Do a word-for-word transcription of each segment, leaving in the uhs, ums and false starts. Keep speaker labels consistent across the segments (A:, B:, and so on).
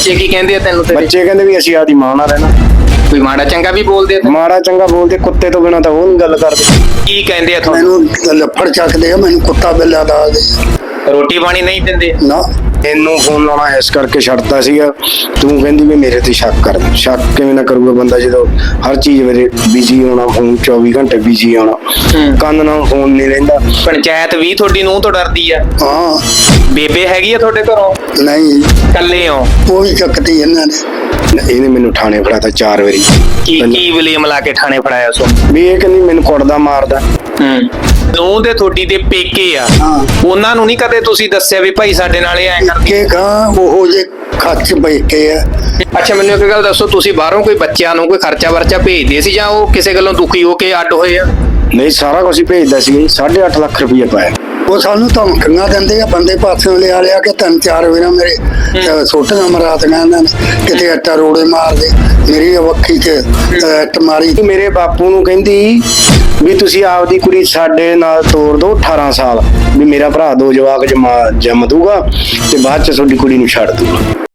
A: ਬੱਚੇ ਕੀ ਕਹਿੰਦੇ ਆ ਤੈਨੂੰ ਤੇਰੇ?
B: ਬੱਚੇ ਕਹਿੰਦੇ ਵੀ ਅਸੀਂ ਆਦੀ ਮਾਂ ਨਾਲ ਰਹਿਣਾ।
A: ਕੋਈ ਮਾੜਾ ਚੰਗਾ ਵੀ ਬੋਲਦੇ ਆ?
B: ਮਾੜਾ ਚੰਗਾ ਬੋਲਦੇ, ਕੁੱਤੇ ਤੋਂ ਬਿਨਾਂ ਤਾਂ ਉਹ ਨਹੀਂ ਗੱਲ ਕਰਦੇ।
A: ਕੀ ਕਹਿੰਦੇ ਆ ਤੁਹਾਨੂੰ?
C: ਮੈਨੂੰ ਲੱਫੜ ਚੱਕਦੇ ਆ, ਮੈਨੂੰ ਕੁੱਤਾ ਬਿੱਲਾ ਦੱਸਦੇ
A: ਰੋਟੀ ਪਾਣੀ ਨਹੀਂ ਦਿੰਦੇ?
C: ਨਾ।
B: ਇਹਨੂੰ ਫੋਨ ਲਾਉਣਾ ਇਸ ਕਰਕੇ ਛੱਡਤਾ ਸੀਗਾ, ਤੂੰ ਕਹਿੰਦੀ ਵੀ ਮੇਰੇ ਤੇ ਸ਼ੱਕ ਕਰ। ਸ਼ੱਕ ਕਿਵੇਂ ਨਾ ਕਰੂਗਾ ਬੰਦਾ ਜਦੋਂ ਹਰ ਚੀਜ਼ ਮੇਰੇ ਬਿਜੀ ਹੋਣਾ, ਫੋਨ ਚੌਵੀ ਘੰਟੇ ਬਿਜੀ ਹੋਣਾ, ਕੰਨ ਨਾਲ ਫੋਨ ਨਹੀਂ ਰਹਿੰਦਾ।
A: ਪੰਚਾਇਤ ਵੀ ਤੁਹਾਡੀ ਨੂੰਹ ਤੋਂ ਡਰਦੀ ਆ?
C: ਹਾਂ।
A: ਬੇਬੇ ਹੈਗੀ ਆ ਤੁਹਾਡੇ ਘਰੋਂ?
C: ਨਹੀਂ,
A: ਇਕੱਲੇ ਹੋ?
C: ਉਹ ਵੀ ਚੱਕਤੀ ਇਹਨਾਂ ਨੇ।
B: ਇਹਨੇ ਮੈਨੂੰ ਥਾਣੇ ਫੜਾਤਾ ਚਾਰ ਵਾਰੀ।
A: ਕੀ ਕੀ ਵਲੀਮ ਲਾ ਕੇ ਥਾਣੇ ਫੜਾਇਆ ਸੋ?
B: ਵੀ ਇਹ ਕਹਿੰਦੀ ਮੈਨੂੰ ਕੁੱਟਦਾ ਮਾਰਦਾ।
A: ਹੂੰ। ਨੂੰਹ ਦੇ ਤੁਹਾਡੀ ਦੇ ਪੇਕੇ ਆ,
C: ਹਾਂ।
A: ਉਹਨਾਂ ਨੂੰ ਨਹੀਂ ਕਦੇ ਤੁਸੀਂ ਦੱਸਿਆ ਵੀ ਭਾਈ ਸਾਡੇ ਨਾਲ ਇਹ ਐ ਕਰਦੇ?
C: ਕੇ ਕਹਾਂ ਉਹ ਜੇ ਖੱਚ ਬੈਠੇ ਆ।
A: ਅੱਛਾ, ਮੈਨੂੰ ਇੱਕ ਗੱਲ ਦੱਸੋ, ਤੁਸੀਂ ਬਾਹਰੋਂ ਕੋਈ ਬੱਚਿਆਂ ਨੂੰ ਕੋਈ ਖਰਚਾ ਵਰਚਾ ਭੇਜਦੇ ਸੀ ਜਾਂ ਉਹ ਕਿਸੇ ਗੱਲੋਂ ਦੁਖੀ ਹੋ ਕੇ ਅੱਡ ਹੋਏ ਆ?
B: ਨਹੀਂ, ਸਾਰਾ ਕੁਝ ਹੀ ਭੇਜਦਾ ਸੀ। ਸਾਢੇ ਅੱਠ ਲੱਖ ਰੁਪਏ ਪਾਇਆ।
C: ਉਹ ਸਾਨੂੰ ਧਮਕੀਆਂ ਦਿੰਦੇ ਆ, ਬੰਦੇ ਪਾਸਿਓਂ ਲਿਆ ਲਿਆ ਕੇ ਤਿੰਨ ਚਾਰ ਵਾਰ ਮੇਰੇ ਸੋਟੀਆਂ ਮਰਾਤੀਆਂ ਇਹਨਾਂ ਨੇ, ਕਿਤੇ ਆਟਾ ਰੋੜੇ ਮਾਰਦੇ, ਮੇਰੀ ਵੱਖੀ 'ਚ ਇੱਟ ਮਾਰੀ।
B: ਮੇਰੇ ਬਾਪੂ ਨੂੰ ਕਹਿੰਦੀ ਵੀ ਤੁਸੀਂ ਆਪਦੀ ਕੁੜੀ ਸਾਡੇ ਨਾਲ ਤੋਰ ਦਿਓ ਅਠਾਰਾਂ ਸਾਲ, ਵੀ ਮੇਰਾ ਭਰਾ ਦੋ ਜਵਾਕ ਜਮਾ ਜੰਮ ਦੂਗਾ ਤੇ ਬਾਅਦ ਚ ਤੁਹਾਡੀ ਕੁੜੀ ਨੂੰ ਛੱਡ ਦੂਗਾ।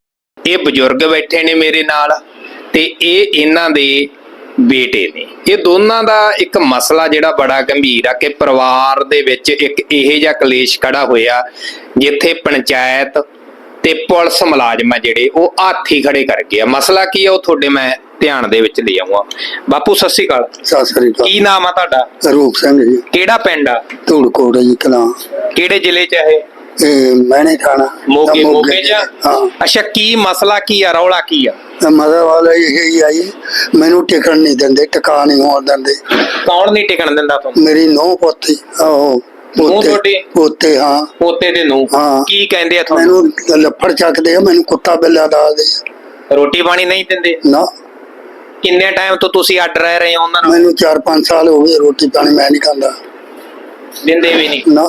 A: ਇਹ ਬਜ਼ੁਰਗ ਬੈਠੇ ਨੇ ਮੇਰੇ ਨਾਲ ਤੇ ਇਹ ਇਹਨਾਂ ਦੇ ਬੇਟੇ ਨੇ। ਇਹ ਦੋਨਾਂ ਦਾ ਇੱਕ ਮਸਲਾ ਜਿਹੜਾ ਬੜਾ ਗੰਭੀਰ ਆ ਕਿ ਪਰਿਵਾਰ ਦੇ ਵਿੱਚ ਇੱਕ ਇਹੋ ਜਿਹਾ ਕਲੇਸ਼ ਖੜਾ ਹੋਇਆ ਜਿੱਥੇ ਪੰਚਾਇਤ ਤੇ ਪੁਲਿਸ ਮੁਲਾਜ਼ਮ ਆ ਜਿਹੜੇ ਉਹ ਹਾਥੀ ਖੜੇ ਕਰ ਗਏ ਆ। ਮਸਲਾ ਕੀ ਆ ਉਹ ਤੁਹਾਡੇ ਮੈਂ ਧਿਆਨ ਦੇ ਵਿੱਚ ਲੈ ਆਉਂਗਾ। ਬਾਪੂ ਸਤਿ ਸ਼੍ਰੀ ਅਕਾਲ।
C: ਸਤਿ ਸ੍ਰੀ ਅਕਾਲ।
A: ਕੀ ਨਾਮ ਆ ਤੁਹਾਡਾ?
C: ਰੂਪ ਸਿੰਘ ਜੀ।
A: ਕਿਹੜਾ ਪਿੰਡ ਆ?
C: ਧੂੜਕੋਟ ਜੀ ਕਲਾਂ।
A: ਕਿਹੜੇ ਜ਼ਿਲ੍ਹੇ ਚ ਇਹ?
C: ਇਹ ਮੈਨੇ ਥਾਣਾ
A: ਮੋਗੇ। ਮੋਗੇ ਚ?
C: ਹਾਂ।
A: ਅੱਛਾ, ਕੀ ਮਸਲਾ ਕੀ ਆ, ਰੌਲਾ ਕੀ ਆ?
C: ਮਜ਼ਾ ਵਾਲਾ ਇਹ ਹੀ ਆਈ, ਮੈਨੂੰ ਟਿਕਣ ਨਹੀਂ ਦਿੰਦੇ, ਟਿਕਾ ਨਹੀਂ ਹੋਣ ਦਿੰਦੇ।
A: ਕੌਣ ਨਹੀਂ ਟਿਕਣ ਦਿੰਦਾ ਤੁਹਾਨੂੰ?
C: ਮੇਰੀ ਨੂੰਹ ਪੋਤੀ। ਆਹੋ
A: ਤੁਹਾਡੀ
C: ਪੋਤੇ। ਹਾਂ।
A: ਪੋਤੇ ਦੇ ਨੂੰ
C: ਹਾਂ।
A: ਕੀ ਕਹਿੰਦੇ ਆ ਤੁਹਾਨੂੰ?
C: ਮੈਨੂੰ ਲੱਫੜ ਚੱਕਦੇ ਆ, ਮੈਨੂੰ ਕੁੱਤਾ ਬਿੱਲਾ ਦੱਸਦੇ।
A: ਰੋਟੀ ਪਾਣੀ ਨਹੀਂ ਦਿੰਦੇ?
C: ਨਾ।
A: ਕਿੰਨੇ ਟਾਈਮ ਤੋਂ ਤੁਸੀਂ ਅੱਡ ਰਹਿ ਰਹੇ ਹੋ ਉਹਨਾਂ ਨਾਲ?
C: ਮੈਨੂੰ ਚਾਰ ਪੰਜ ਸਾਲ ਹੋ ਗਏ, ਰੋਟੀ ਪਾਣੀ ਮੈਂ ਨਹੀਂ ਖਾਂਦਾ।
A: ਦਿੰਦੇ ਵੀ ਨਹੀਂ?
C: ਨਾ,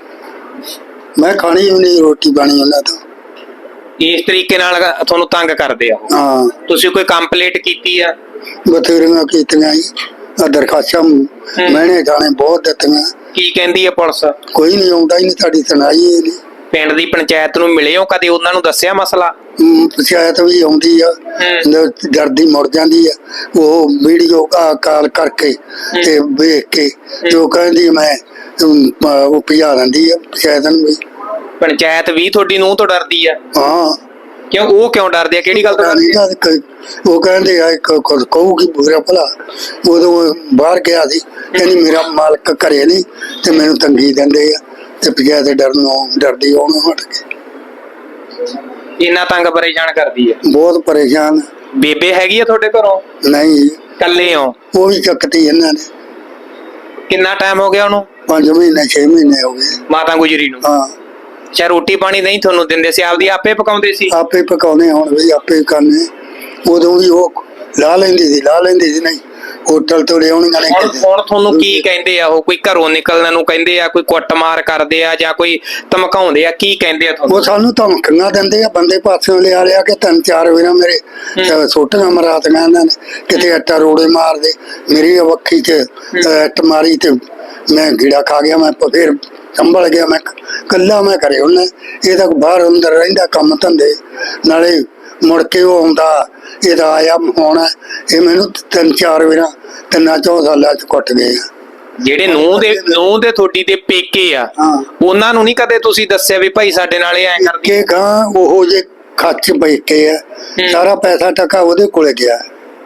C: ਮੈਂ ਖਾਣੀ ਵੀ ਨਹੀਂ ਰੋਟੀ ਪਾਣੀ ਉਹਨਾਂ ਤੋਂ।
A: ਇਸ ਤਰੀਕੇ ਨਾਲ ਤੁਹਾਨੂੰ ਤੰਗ ਕਰਦੇ ਆ ਉਹ?
C: ਹਾਂ।
A: ਤੁਸੀਂ ਕੋਈ ਕੰਪਲੇਂਟ ਕੀਤੀ ਆ?
C: ਬਥੇਰੀਆਂ ਕੀਤੀਆਂ ਜੀ, ਦਰਖਾਸਤਾਂ ਮੈਨੇ ਥਾਣੇ ਬਹੁਤ ਦਿੱਤੀਆਂ।
A: ਕੀ ਕਹਿੰਦੀ ਆ ਪੁਲਿਸ?
C: ਕੋਈ ਨਹੀਂ ਆਉਂਦਾ ਹੀ ਨਹੀਂ, ਤੁਹਾਡੀ ਸੁਣਾਈ ਹੀ ਨਹੀਂ।
A: ਪਿੰਡ ਦੀ ਪੰਚਾਇਤ ਨੂੰ ਮਿਲੇ ਹੋ ਕਦੇ? ਉਹਨਾਂ ਨੂੰ ਦੱਸਿਆ ਮਸਲਾ?
C: ਪੰਚਾਇਤ ਵੀ ਆਉਂਦੀ ਆ, ਡਰਦੀ ਮੁੜ ਜਾਂਦੀ ਆ। ਉਹ ਵੀਡੀਓ ਕਾਲ ਕਰਕੇ ਤੇ ਵੇਖ ਕੇ ਜੋ ਕਹਿੰਦੀ ਮੈਂ ਉਹ ਭਜਾ ਦਿੰਦੀ ਆ ਪੰਚਾਇਤ ਨੂੰ ਵੀ।
A: ਪੰਚਾਇਤ ਵੀ ਤੁਹਾਡੀ ਨੂੰਹ ਤੋਂ ਡਰਦੀ ਆ?
C: ਹਾਂ।
A: ਕਿਉਂ? ਉਹ ਕਿਉਂ ਡਰਦੇ ਆ? ਕਿਹੜੀ ਗੱਲ ਤੋਂ ਡਰਦੇ ਆ?
C: ਉਹ ਕਹਿੰਦੇ ਆ ਕਹੂਗੀ ਬੁਰਾ ਭਲਾ। ਉਦੋਂ ਬਾਹਰ ਗਿਆ ਸੀ, ਕਹਿੰਦੀ ਮੇਰਾ ਮਾਲਕ ਘਰੇ ਨਹੀਂ ਤੇ ਮੈਨੂੰ ਤੰਗੀ ਦਿੰਦੇ ਆ, ਤੇ ਪੰਚਾਇਤ ਡਰਨੋਂ ਡਰਦੀ ਉਹਨੂੰ ਹਟ ਕੇ।
A: ਇੰਨਾ ਤੰਗ ਪਰੇਸ਼ਾਨ ਕਰਦੀ ਆ?
C: ਬਹੁਤ ਪਰੇਸ਼ਾਨ।
A: ਬੇਬੇ ਹੈਗੀ ਆ ਤੁਹਾਡੇ ਘਰੋਂ?
C: ਨਹੀਂ।
A: ਇਕੱਲੇ ਹੋ?
C: ਉਹ ਵੀ ਚੱਕਤੀ ਇਹਨਾਂ ਨੇ।
A: ਕਿੰਨਾ ਟਾਈਮ ਹੋ ਗਿਆ ਉਹਨੂੰ?
C: ਪੰਜ ਮਹੀਨੇ ਛੇ ਮਹੀਨੇ ਹੋ ਗਏ
A: ਮਾਤਾ ਗੁਜਰੀ ਨੂੰ?
C: ਹਾਂ।
A: ਅੱਛਾ, ਰੋਟੀ ਪਾਣੀ ਨਹੀਂ ਤੁਹਾਨੂੰ ਦਿੰਦੇ ਸੀ? ਆਪਦੀ ਆਪੇ ਪਕਾਉਂਦੇ ਸੀ?
C: ਆਪੇ ਪਕਾਉਣੇ, ਹੁਣ ਵੀ ਆਪੇ ਕਰਨੇ। ਉਦੋਂ ਵੀ ਉਹ ਲਾ ਲੈਂਦੀ ਸੀ ਲਾ ਲੈਂਦੀ ਸੀ ਨਹੀਂ ਹੋਟਲ ਤੋਂ ਲਿਆਉਣੀਆਂ ਨੇ।
A: ਹੁਣ ਹੁਣ ਤੁਹਾਨੂੰ ਕੀ ਕਹਿੰਦੇ ਆ ਉਹ? ਕੋਈ ਘਰੋਂ ਨਿਕਲਣ ਨੂੰ ਕਹਿੰਦੇ ਆ, ਕੋਈ ਕੁੱਟਮਾਰ ਕਰਦੇ ਆ ਜਾਂ ਕੋਈ ਧਮਕਾਉਂਦੇ ਆ? ਕੀ ਕਹਿੰਦੇ ਆ ਤੁਹਾਨੂੰ?
C: ਉਹ ਸਾਨੂੰ ਧਮਕੀਆਂ ਦਿੰਦੇ ਆ, ਬੰਦੇ ਪਾਸਿਓਂ ਲਿਆ ਲਿਆ ਕੇ ਤਿੰਨ ਚਾਰ ਵਾਰ ਮੇਰੇ ਸੋਟੀਆਂ ਮਰਾਤੀਆਂ ਇਹਨਾਂ ਨੇ, ਕਿਤੇ ਆਟਾ ਰੋੜੇ ਮਾਰਦੇ, ਮੇਰੀ ਵੱਖੀ 'ਚ ਇੱਟ ਮਾਰੀ ਤੇ ਮੈਂ ਗੀੜਾ ਖਾ ਗਿਆ। ਮੈਂ ਫਿਰ ਸੰਭਲ ਗਿਆ, ਮੈਂ ਕੱਲਾ ਮੈਂ ਕਰੇ ਉਹਨੇ। ਇਹ ਤਾਂ ਬਾਹਰ ਅੰਦਰ ਰਹਿੰਦਾ ਕੰਮ ਧੰਦੇ, ਨਾਲੇ ਮੁੜ ਕੇ ਉਹ ਆਉਂਦਾ, ਇਹਦਾ ਆਇਆ ਹੋਣਾ। ਇਹ ਮੈਨੂੰ ਤਿੰਨ ਚਾਰ ਵਾਰ ਤਿੰਨਾਂ ਚੌਂ ਸਾਲਾਂ 'ਚ ਕੁੱਟ ਗਏ।
A: ਜਿਹੜੇ ਨੂੰਹ ਦੇ ਨੂੰਹ ਦੇ ਤੁਹਾਡੀ ਦੇ ਪੇਕੇ ਆ, ਉਹਨਾਂ ਨੂੰ ਨਹੀਂ ਕਦੇ ਤੁਸੀਂ ਦੱਸਿਆ ਵੀ ਭਾਈ ਸਾਡੇ ਨਾਲ ਇਹ ਐ ਕਰਦੇ?
C: ਕੇ ਕਹਾਂ ਉਹ ਜੇ ਖੱਚ ਬੈਠੇ ਆ, ਸਾਰਾ ਪੈਸਾ ਟਕਾ ਉਹਦੇ ਕੋਲੇ ਗਿਆ।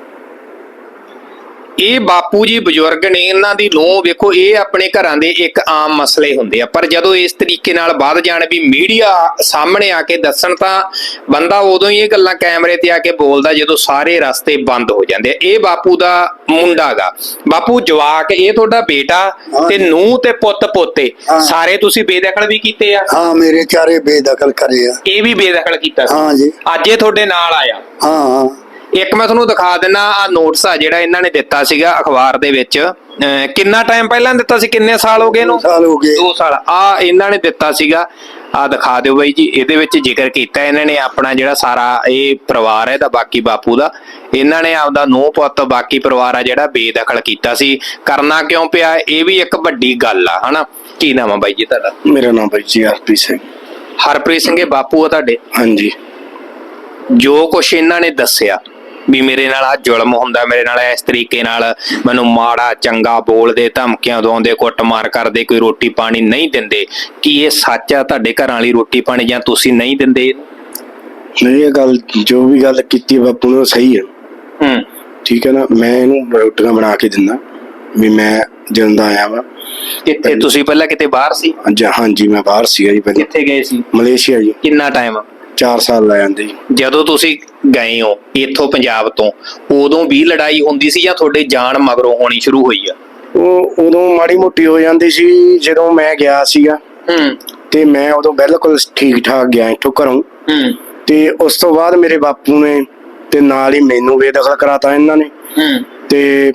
A: ਇਹ ਬਾਪੂ ਜੀ ਬਜ਼ੁਰਗ ਨੇ, ਇਹਨਾਂ ਦੀ ਨੂੰਹ ਵੇਖੋ, ਇਹ ਆਪਣੇ ਘਰਾਂ ਦੇ ਇੱਕ ਆਮ ਮਸਲੇ ਹੁੰਦੇ ਆ, ਪਰ ਜਦੋਂ ਇਸ ਤਰੀਕੇ ਨਾਲ ਵੱਧ ਜਾਣ ਵੀ ਮੀਡੀਆ ਸਾਹਮਣੇ ਆ ਕੇ ਦੱਸਣ ਤਾਂ ਬੰਦਾ ਉਦੋਂ ਹੀ ਇਹ ਗੱਲਾਂ ਕੈਮਰੇ ਤੇ ਆ ਕੇ ਬੋਲਦਾ ਜਦੋਂ ਸਾਰੇ ਰਸਤੇ ਬੰਦ ਹੋ ਜਾਂਦੇ ਆ। ਇਹ ਬਾਪੂ ਦਾ ਮੁੰਡਾ ਗਾ। ਬਾਪੂ ਜਵਾਕ ਇਹ ਤੁਹਾਡਾ ਬੇਟਾ ਤੇ ਨੂੰਹ ਤੇ ਪੁੱਤ ਪੋਤੇ ਸਾਰੇ ਤੁਸੀਂ ਬੇਦਖਲ ਵੀ ਕੀਤੇ ਆ?
C: ਹਾਂ, ਮੇਰੇ ਚਾਰੇ ਬੇਦਖਲ ਕਰੇ ਆ।
A: ਇਹ ਵੀ ਬੇਦਖਲ ਕੀਤਾ ਸੀ?
C: ਹਾਂ ਜੀ।
A: ਅੱਜ ਇਹ ਤੁਹਾਡੇ ਨਾਲ ਆਇਆ?
C: ਹਾਂ ਹਾਂ।
A: ਇੱਕ ਮੈਂ ਤੁਹਾਨੂੰ ਦਿਖਾ ਦਿੰਦਾ ਆ ਨੋਟਿਸ ਆ ਜਿਹੜਾ ਇਹਨਾਂ ਨੇ ਦਿੱਤਾ ਸੀਗਾ ਅਖਬਾਰ ਦੇ ਵਿੱਚ। ਕਿੰਨਾ ਟਾਈਮ ਪਹਿਲਾਂ ਦਿੱਤਾ ਸੀ? ਕਿੰਨੇ ਸਾਲ ਹੋ ਗਏ ਇਹਨੂੰ?
C: ਸਾਲ ਹੋ ਗਏ।
A: ਦੋ ਸਾਲ। ਆ ਇਹਨਾਂ ਨੇ ਦਿੱਤਾ ਸੀਗਾ, ਆ ਦਿਖਾ ਦਿਓ ਬਾਈ ਜੀ। ਇਹਦੇ ਵਿੱਚ ਜ਼ਿਕਰ ਕੀਤਾ ਇਹਨਾਂ ਨੇ ਆਪਣਾ ਜਿਹੜਾ ਸਾਰਾ ਇਹ ਪਰਿਵਾਰ ਹੈ ਦਾ, ਬਾਕੀ ਬਾਪੂ ਦਾ, ਇਹਨਾਂ ਨੇ ਆਪਦਾ ਨੂੰਹ ਪੁੱਤ ਬਾਕੀ ਪਰਿਵਾਰ ਆ ਜਿਹੜਾ ਬੇਦਖਲ ਕੀਤਾ ਸੀ। ਕਰਨਾ ਕਿਉਂ ਪਿਆ? ਇਹ ਵੀ ਇੱਕ ਵੱਡੀ ਗੱਲ ਆ, ਹਨਾ। ਕੀ ਨਾਮ ਆ ਬਾਈ ਜੀ ਤੁਹਾਡਾ?
B: ਮੇਰਾ ਨਾਮ ਬਾਈ ਜੀ ਹਰਪ੍ਰੀਤ ਸਿੰਘ।
A: ਹਰਪ੍ਰੀਤ ਸਿੰਘ। ਇਹ ਬਾਪੂ ਆ ਤੁਹਾਡੇ?
B: ਹਾਂਜੀ।
A: ਜੋ ਕੁਛ ਇਹਨਾਂ ਨੇ ਦੱਸਿਆ ਵੀ ਮੇਰੇ ਨਾਲ ਆ ਜ਼ੁਲਮ ਹੁੰਦਾ, ਮੇਰੇ ਨਾਲ ਇਸ ਤਰੀਕੇ ਨਾਲ ਮੈਨੂੰ ਮਾੜਾ ਚੰਗਾ ਬੋਲਦੇ, ਧਮਕੀਆਂ ਦਵਾਉਂਦੇ, ਕੁੱਟਮਾਰ ਕਰਦੇ, ਕੋਈ ਰੋਟੀ ਪਾਣੀ ਨਹੀਂ ਦਿੰਦੇ, ਕੀ ਇਹ ਸੱਚ ਆ ਤੁਹਾਡੇ ਘਰਾਂ ਵਾਲੀ ਰੋਟੀ ਪਾਣੀ ਜਾਂ ਤੁਸੀਂ ਨਹੀਂ ਦਿੰਦੇ?
B: ਨਹੀਂ, ਇਹ ਗੱਲ ਜੋ ਵੀ ਗੱਲ ਕੀਤੀ ਬਾਪੂ ਨੇ ਉਹ ਸਹੀ ਹੈ।
A: ਹੂੰ
B: ਠੀਕ ਹੈ ਨਾ, ਮੈਂ ਇਹਨੂੰ ਰੋਟੀਆਂ ਬਣਾ ਕੇ ਦਿੰਦਾ ਵੀ ਮੈਂ ਜਿੰਦਾ ਆਇਆ ਵਾ।
A: ਕਿੱਥੇ ਤੁਸੀਂ ਪਹਿਲਾਂ ਕਿਤੇ ਬਾਹਰ ਸੀ?
B: ਅੱਜ ਹਾਂਜੀ ਮੈਂ ਬਾਹਰ ਸੀਗਾ ਜੀ, ਪਹਿਲਾਂ
A: ਕਿੱਥੇ ਗਏ ਸੀ?
B: ਮਲੇਸ਼ੀਆ ਜੀ।
A: ਕਿੰਨਾ ਟਾਈਮ?
B: ਚਾਰ ਸਾਲ ਲਾ ਜਾਂਦੇ ਜੀ।
A: ਜਦੋਂ ਤੁਸੀਂ ਗਏ ਹੋ ਇੱਥੋਂ ਪੰਜਾਬ ਤੋਂ, ਉਦੋਂ ਵੀ ਲੜਾਈ ਹੁੰਦੀ ਸੀ ਜਾਂ ਤੁਹਾਡੇ ਜਾਣ ਮਗਰੋਂ ਹੋਣੀ ਸ਼ੁਰੂ ਹੋਈ ਆ?
B: ਉਹ ਉਦੋਂ ਮਾੜੀ ਮੋਟੀ ਹੋ ਜਾਂਦੀ ਸੀ ਜਦੋਂ ਮੈਂ ਗਿਆ ਸੀਗਾ।
A: ਹੂੰ
B: ਤੇ ਮੈਂ ਉਦੋਂ ਬਿਲਕੁਲ ਠੀਕ ਠਾਕ ਗਿਆ ਇੱਥੋਂ ਘਰੋਂ।
A: ਹੂੰ
B: ਤੇ ਉਸ ਤੋਂ ਬਾਅਦ ਮੇਰੇ ਬਾਪੂ ਨੇ ਤੇ ਨਾਲ ਹੀ ਮੈਨੂੰ ਬੇਦਖਲ ਕਰਾਤਾ ਇਹਨਾਂ ਨੇ।
A: ਹੂੰ
B: ਤੇ